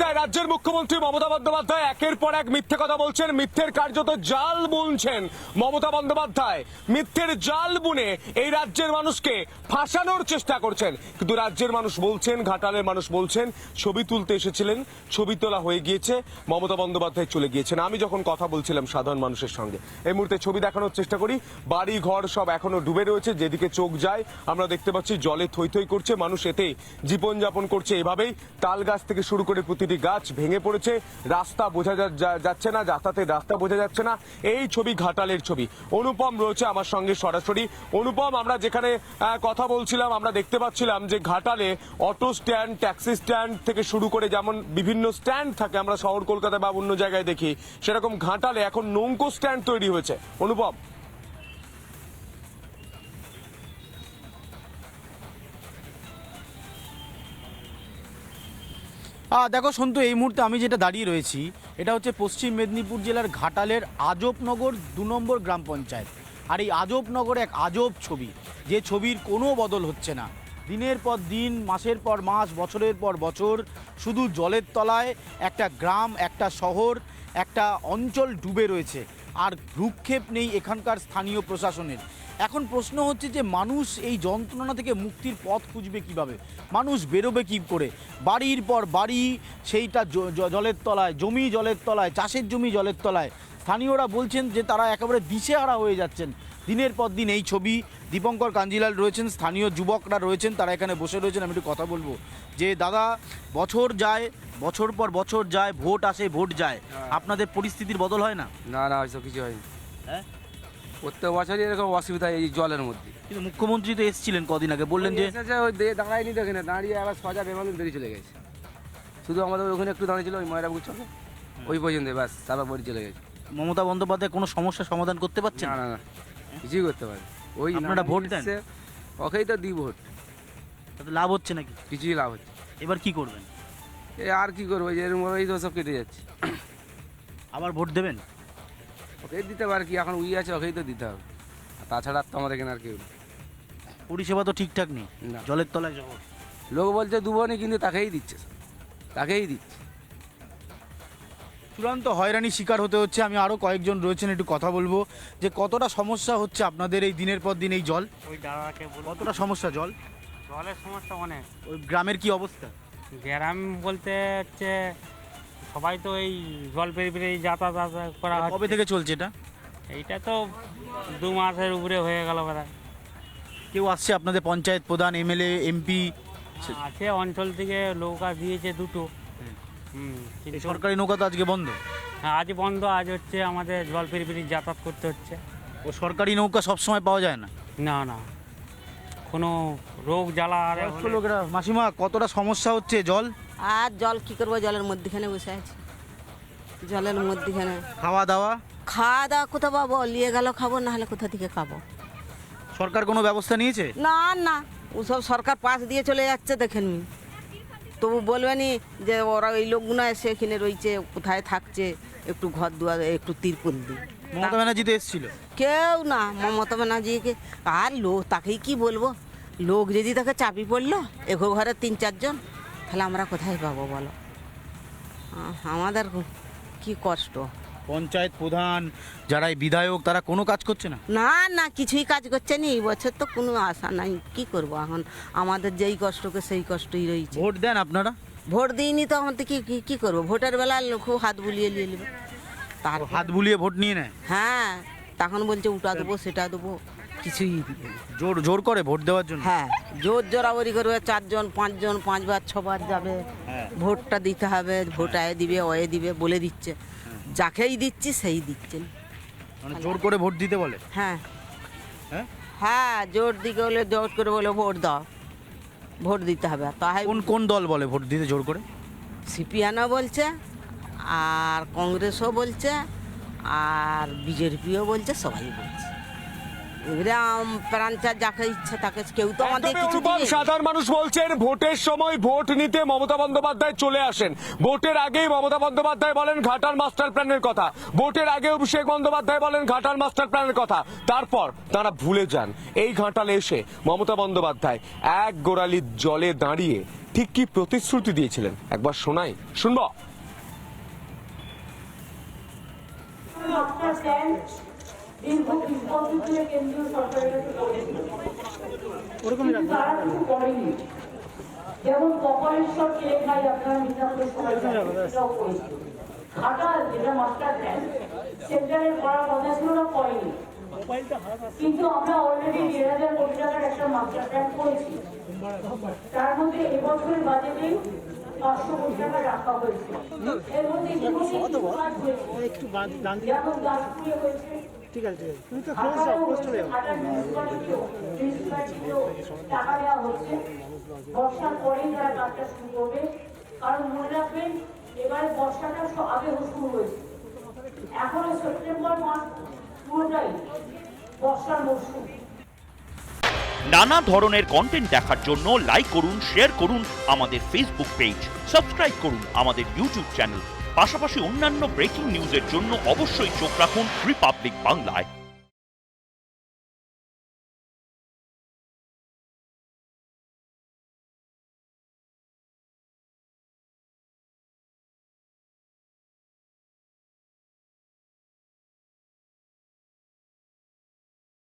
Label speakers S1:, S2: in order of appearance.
S1: বন্দ্যোপাধ্যায়, রাজ্যের মুখ্যমন্ত্রী মমতা বন্দ্যোপাধ্যায় একের পর এক মিথ্যে কথা বলছেন, মিথ্যের কার্যত জাল বুনছেন মমতা বন্দ্যোপাধ্যায়। মিথ্যের জাল বুনে এই রাজ্যের মানুষকে ফাঁসানোর চেষ্টা করছেন। কিন্তু রাজ্যের মানুষ বলছেন, ঘাটালের মানুষ বলছেন, ছবি তুলতে এসেছিলেন, ছবি তোলা হয়ে গিয়েছে, মমতা বন্দ্যোপাধ্যায় চলে গিয়েছেন। আমি যখন কথা বলছিলাম সাধারণ মানুষের সঙ্গে, এই মুহূর্তে ছবি দেখানোর চেষ্টা করি। বাড়ি ঘর সব এখনো ডুবে রয়েছে, যেদিকে চোখ যায় আমরা দেখতে পাচ্ছি জলে থই থই করছে, মানুষ এতেই জীবনযাপন করছে। এভাবেই তাল গাছ থেকে শুরু করে প্রতিটি গাছ ভেঙে পড়েছে, রাস্তা বোঝা যাচ্ছে না, যাতায়াতের রাস্তা বোঝা যাচ্ছে না। এই ছবি ঘাটালের ছবি। অনুপম রয়েছে আমার সঙ্গে সরাসরি। অনুপম, আমরা যেখানে কথা বলছিলাম আমরা দেখতে পাচ্ছিলাম যে ঘাটালে অটো স্ট্যান্ড, ট্যাক্সি স্ট্যান্ড থেকে শুরু করে যেমন বিভিন্ন স্ট্যান্ড থাকে আমরা শহর কলকাতা বা অন্য জায়গায় দেখি, সেরকম ঘাটালে এখন নৌকো স্ট্যান্ড তৈরি হয়েছে। অনুপম,
S2: দেখো সন্তু, এই মুহূর্তে আমি যেটা দাঁড়িয়ে রয়েছি এটা হচ্ছে পশ্চিম মেদিনীপুর জেলার ঘাটালের আজবনগর 2 নম্বর গ্রাম পঞ্চায়েত। আর এই আজবনগরে এক আজব ছবি, যে ছবির কোনো বদল হচ্ছে না। দিনের পর দিন, মাসের পর মাস, বছরের পর বছর শুধু জলের তলায় একটা গ্রাম, একটা শহর, একটা অঞ্চল ডুবে রয়েছে। আর ভ্রুক্ষেপ নেই এখানকার স্থানীয় প্রশাসনের। এখন প্রশ্ন হচ্ছে যে মানুষ এই যন্ত্রণা থেকে মুক্তির পথ খুঁজবে কিভাবে, মানুষ বেরোবে কী করে? বাড়ির পর বাড়ি সেইটা জলের তলায়, জমি জলের তলায়, চাষের জমি জলের তলায়। স্থানীয়রা বলছেন যে তারা একেবারে দিশেহারা হয়ে যাচ্ছেন। দিনের পর দিন এই ছবি। দীপঙ্কর কাঞ্জিলাল রয়েছেন, স্থানীয় যুবকরা রয়েছেন, তারা এখানে বসে রয়েছেন। আমি একটু কথা বলবো যে দাদা, বছর যায়, বছর পর বছর যায়, ভোট আসে ভোট যায়, আপনাদের পরিস্থিতির বদল হয় না?
S3: না না, ওইসব কিছু হয়নি।
S2: হ্যাঁ,
S3: প্রত্যেক বছরই এরকম অসুবিধা এই জলের মধ্যে।
S2: কিন্তু মুখ্যমন্ত্রী তো এসেছিলেন কদিন আগে, বললেন যে
S3: এসেছে, ওই দাঁড়ায়নি দেখে না, দাঁড়িয়ে আবার সজা বেমালুম বেরিয়ে চলে গেছে। শুধু আমাদের ওখানে একটু দাঁড়িয়েছিল ওই ময়রাপুর চলে ওই পর্যন্ত, ব্যাস তারপর বাড়ি চলে গেছে।
S2: মমতা বন্দ্যোপাধ্যায় কোনো সমস্যার সমাধান করতে পারছেন
S3: না
S2: না?
S3: না না, কিছুই করতে পারে। ওই
S2: আপনারা ভোট দেন?
S3: ওকেই তো দিই ভোট,
S2: তাতে লাভ হচ্ছে নাকি?
S3: কিছুই লাভ হচ্ছে।
S2: এবার কি করবেন?
S3: আর কি করবো, যে এরকম ভাবেই তো সব কেটে যাচ্ছে।
S2: আবার ভোট দেবেন?
S3: ওকেই দিতে পারে, কি এখন উই আছে ওকেই তো দিতে হবে, আর তাছাড়া তো আমাদের এখানে আর কেউ নেই।
S2: পরিষেবা তো ঠিকঠাক নেই,
S3: না।
S2: জলের তলায় শহর।
S3: লোক বলছে দুবনি, কিন্তু তাকেই দিচ্ছে, তাকেই দিচ্ছে।
S2: চূড়ান্ত হয়রানি শিকার হতে হচ্ছে। আমি আরও কয়েকজন রয়েছেন, একটু কথা বলবো যে কতটা সমস্যা হচ্ছে আপনাদের এই দিনের পর দিন এই জল,
S4: ওই দাদাকে বলবো।
S2: কতটা সমস্যা জল,
S4: জলের সমস্যা অনেক।
S2: ওই গ্রামের কি অবস্থা?
S4: গ্রাম বলতে হচ্ছে সবাই তো এই জল পেরিয়ে পেরিয়ে যাতায়াত করা
S2: কবে
S4: হচ্ছে।
S2: থেকে চলছে এটা?
S4: এইটা তো 2 মাসের উপরে হয়ে গেল প্রায়।
S2: কেউ আসছে আপনাদের পঞ্চায়েত প্রধান, এমএলএ, এমপি?
S4: আছে, অঞ্চল থেকে নৌকা দিয়েছে 2টো। কিন্তু
S2: সরকারি নৌকা তো আজকে বন্ধ।
S4: হ্যাঁ, আজ বন্ধ। আজ হচ্ছে আমাদের জল পেরিয়ে পেরিয়ে যাতায়াত করতে হচ্ছে।
S2: ও সরকারি নৌকা সবসময় পাওয়া যায় না?
S4: না না, কোনো রোগ জ্বালা আর
S2: বয়স্ক লোকেরা। মাসিমা, কতটা সমস্যা হচ্ছে জল?
S5: আর জল কি করবো, জলের মধ্যেখানে বসে আছি, জলের মধ্যেখানে।
S2: খাওয়া দাওয়া?
S5: খাওয়া দাওয়া কোথা পাবো, নিয়ে গেল খাবো, না হলে কোথা থেকে খাবো?
S2: সরকার কোনো ব্যবস্থা নিয়েছে?
S5: না না, ওসব সরকার পাশ দিয়ে চলে যাচ্ছে, দেখেননি? তবু বলবেনি যে ওরা ওই লোকগুলো এসে এখানে রয়েছে, কোথায় থাকছে, একটু ঘর দুয়ার, একটু তিরপল দিই।
S2: মমতা ব্যানার্জি তো এসেছিল।
S5: কেউ না, মমতা ব্যানার্জিকে আর লোক, তাকেই কি বলবো, লোক যদি তাকে চাপি পড়লো, এগো ঘরে 3-4 জন, তাহলে আমরা কোথায় পাবো বলো? আমাদের কি কষ্ট।
S2: পঞ্চায়েত প্রধান, যারা এই বিধায়ক, তারা কোনো কাজ করছে না?
S5: না না, কিছুই কাজ করছে না। এই বছর তো কোনো আশা নাই, কি করব এখন? আমাদের যেই কষ্টকে সেই কষ্টই রয়েছে।
S2: ভোট দেন আপনারা?
S5: ভোট দিইনি তো, আমাদের কি করবো? ভোটের বেলা খুব হাত বুলিয়ে নিয়ে নেবে, তার
S2: হাত বুলিয়ে ভোট নিয়ে নেয়?
S5: হ্যাঁ, তখন বলছে ওটা দেবো সেটা দেবো, কিছুই দিবে না।
S2: জোর জোর করে ভোট দেওয়ার জন্য?
S5: হ্যাঁ, জোর জোরাবরি করবে, 4 জন 5 জন 5 বার 6 বার যাবে, ভোটটা দিতে হবে, ভোট আয়ে দিবে ওয়ে দিবে বলে দিচ্ছে, যাকেই দিচ্ছি সেই দিচ্ছেন।
S2: মানে জোর করে ভোট দিতে বলে?
S5: হ্যাঁ
S2: হ্যাঁ,
S5: হ্যাঁ, জোর দিকে বলে, জোর করে বলে ভোট দাও, ভোট দিতে হবে। তাই
S2: কোন কোন দল বলে ভোট দিতে জোর করে?
S5: সিপিএনও বলছে, আর কংগ্রেসও বলছে, আর বিজেপিও বলছে, সবাই বলছে। এবারে প্রাণচার যাকে ইচ্ছা তাকে, কেউ তো আমাদের
S1: একদমই
S5: কিছু
S1: অনুপম,
S5: দিবে।
S1: সাধারণ মানুষ বলছেন ভোটের সময় ভোট নিতে মমতা বন্দ্যোপাধ্যায় চলে আসেন। ভোটের আগেই মমতা বন্দ্যোপাধ্যায় বলেন ঘাটাল মাস্টার প্ল্যানের কথা, ভোটের আগে অভিষেক বন্দ্যোপাধ্যায় বলেন ঘাটাল মাস্টার প্ল্যানের কথা, তারপর তারা ভুলে যান। এই ঘাটালে এসে মমতা বন্দ্যোপাধ্যায় এক গোড়ালি জলে দাঁড়িয়ে ঠিক কি প্রতিশ্রুতি দিয়েছিলেন একবার শোনাই, শুনবো।
S6: মাস্টার প্ল্যান দীর্ঘ 20 বছর ধরে কেন্দ্রীয় সরকারের কাছে পড়েছিল, কিন্তু তারা কিছু করেনি। যেমন কপালেশ্বর কেলেঙ্কারি আপনারা মিদনাপুরের সময় সেটাও করেছিল। ঘাটাল যেটা মাস্টার প্ল্যান সেন্টারের করার কথা ছিল না, করেনি। কিন্তু আমরা অলরেডি 1,000 কোটি টাকার একটা মাস্টার প্ল্যান করেছি। তার মধ্যে এবছরের বাজেটেই 500 কোটি টাকা রাখা হয়েছে। এর মধ্যে ইতিমধ্যে কাজ হয়েছে, যেমন দাসপুরে হয়েছে, টাকা দেওয়া হচ্ছে। বর্ষার পরেই তারা কাজটা শুরু করবে, কারণ মনে রাখবেন এবারে বর্ষাটা আগে শুরু হয়েছে, এখনো সেপ্টেম্বর মাস পুরোটাই বর্ষার মৌসুম।
S7: নানা ধরনের কন্টেন্ট দেখার জন্য লাইক করুন, শেয়ার করুন আমাদের ফেসবুক পেজ, সাবস্ক্রাইব করুন আমাদের ইউটিউব চ্যানেল। পাশাপাশি অন্যান্য ব্রেকিং নিউজের জন্য অবশ্যই চোখ রাখুন রিপাবলিক বাংলায়।